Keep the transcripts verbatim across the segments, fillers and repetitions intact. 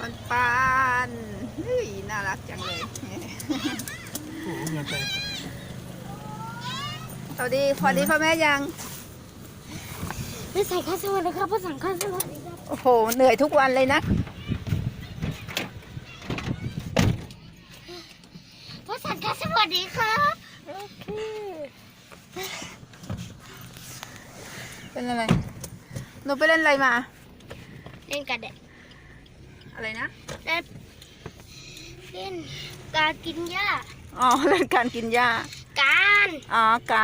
ปันปันเฮ้ยน่ารักจังเลยโอ้โหเงินไปสวัสดีพอดีพ่อแม่ยังไม่ใส่ข้าวสวัสดีครับพ่อสั่งข้าวสวัสดีครับโอ้โหเหนื่อยทุกวันเลยนะพ่อสั่งข้าวสวัสดีครับโอเคเป็นอะไรหนูไปเล่นอะไรมาเล่นกันเด็กอะไรนะเล่นเล่นการกินหญ้าอ๋อเล่นการกินหญ้าการอ๋อการ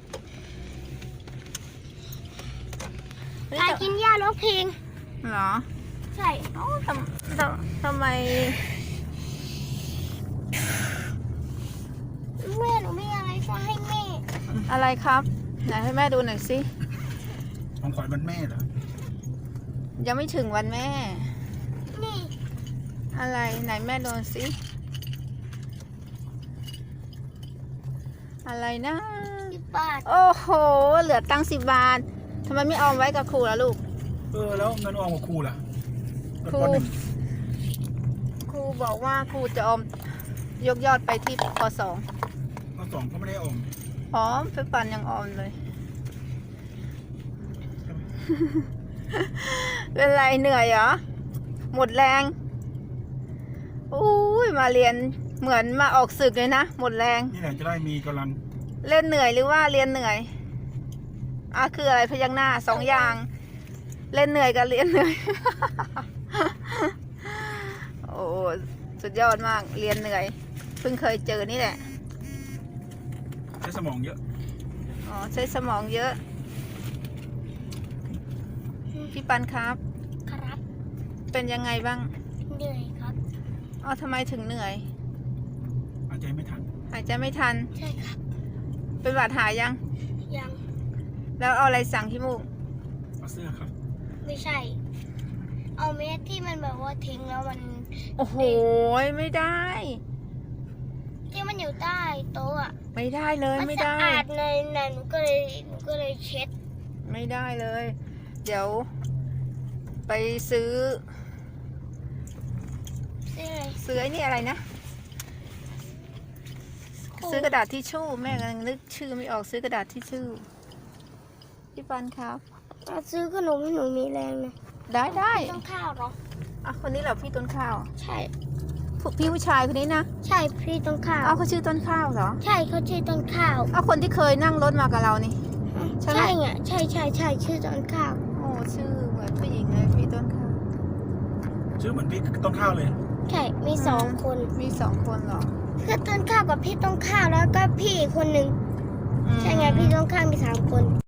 การกินหญ้าร้องเพลงเหรอใช่อ๋อทำทำทำไมแม่หนูไม่อะไรจะให้แม่อะไรครับไหนให้แม่ดูหน่อยสิของขวัญวันแม่เหรอยังไม่ถึงวันแม่นี่อะไรไหนแม่ดูสิอะไรนะสิบบาทโอ้โหเหลือตังค์สิบบาททำไมไม่ออมไว้กับครูล่ะลูกเออแล้วเงินออมกับครูล่ะครูปหนึ่งครูบอกว่าครูจะออมยกยอดไปที่ปสองปสองก็ไม่ได้ออมออมไปปันยังออมเลย เป็นไรเหนื่อยเหรอหมดแรงอุ้ยมาเรียนเหมือนมาออกศึกเลยนะหมดแรงนี่แหละจะได้มีกำลังเล่นเหนื่อยหรือว่าเรียนเหนื่อยอ่ะคืออะไรพยักหน้าสองอย่าง เล่นเหนื่อยกับเรียนเหนื่อย โอ้สุดยอดมากเรียนเหนื่อยเพิ่งเคยเจอนี่แหละใช้สมองเยอะอ๋อใช้สมองเยอะพี่ปันครับครับเป็นยังไงบ้างเหนื่อยครับอ๋อทำไมถึงเหนื่อยอาจจะไม่ทันหายใจไม่ทันใช่ครับเป็นหวัดหายยังยังแล้วเอาอะไรสั่งที่มูกเอาเสื้อครับไม่ใช่ เอาเม็ดที่มันแบบว่าทิ้งแล้วมันโอ้โหไม่ได้ที่มันอยู่ใต้โต๊ะอ่ะไม่ได้เลยมันไม่สะได้อาดในในหนูก็เลยหนูก็เลยเช็ดไม่ได้เลย เดี๋ยว ไปซื้อซื้ออะไรซื้อไอ้นี่อะไรนะ ซื้อกระดาษทิชชู่แม่กำลังนึกชื่อไม่ออกซื้อกระดาษทิชชู่พี่ปันครับเอาซื้อขนมให้หนูมีแรงนะได้ได้ต้องข้าวเหรออ่ะคนนี้เหรอพี่ต้นข้าวใช่ผู้พี่ผู้ชายคนนี้นะใช่พี่ต้นข้าวเอาเขาชื่อต้นข้าวเหรอใช่เขาชื่อต้นข้าวเอาคนที่เคยนั่งรถมากับเรานี่ ใช่ไหมใช่ไงใช่ใช่ใช่ชื่อต้นข้าวโอ้ชื่อเหมือนผู้หญิงเลยพี่ต้นข้าวชื่อเหมือนพี่ต้นข้าวเลยใช่มีสองคนมีสองคนเหรอคือต้นข้าวกับพี่ต้นข้าวแล้วก็พี่อีกคนหนึ่งอืมใช่ไงพี่ต้นข้าวมีสามคน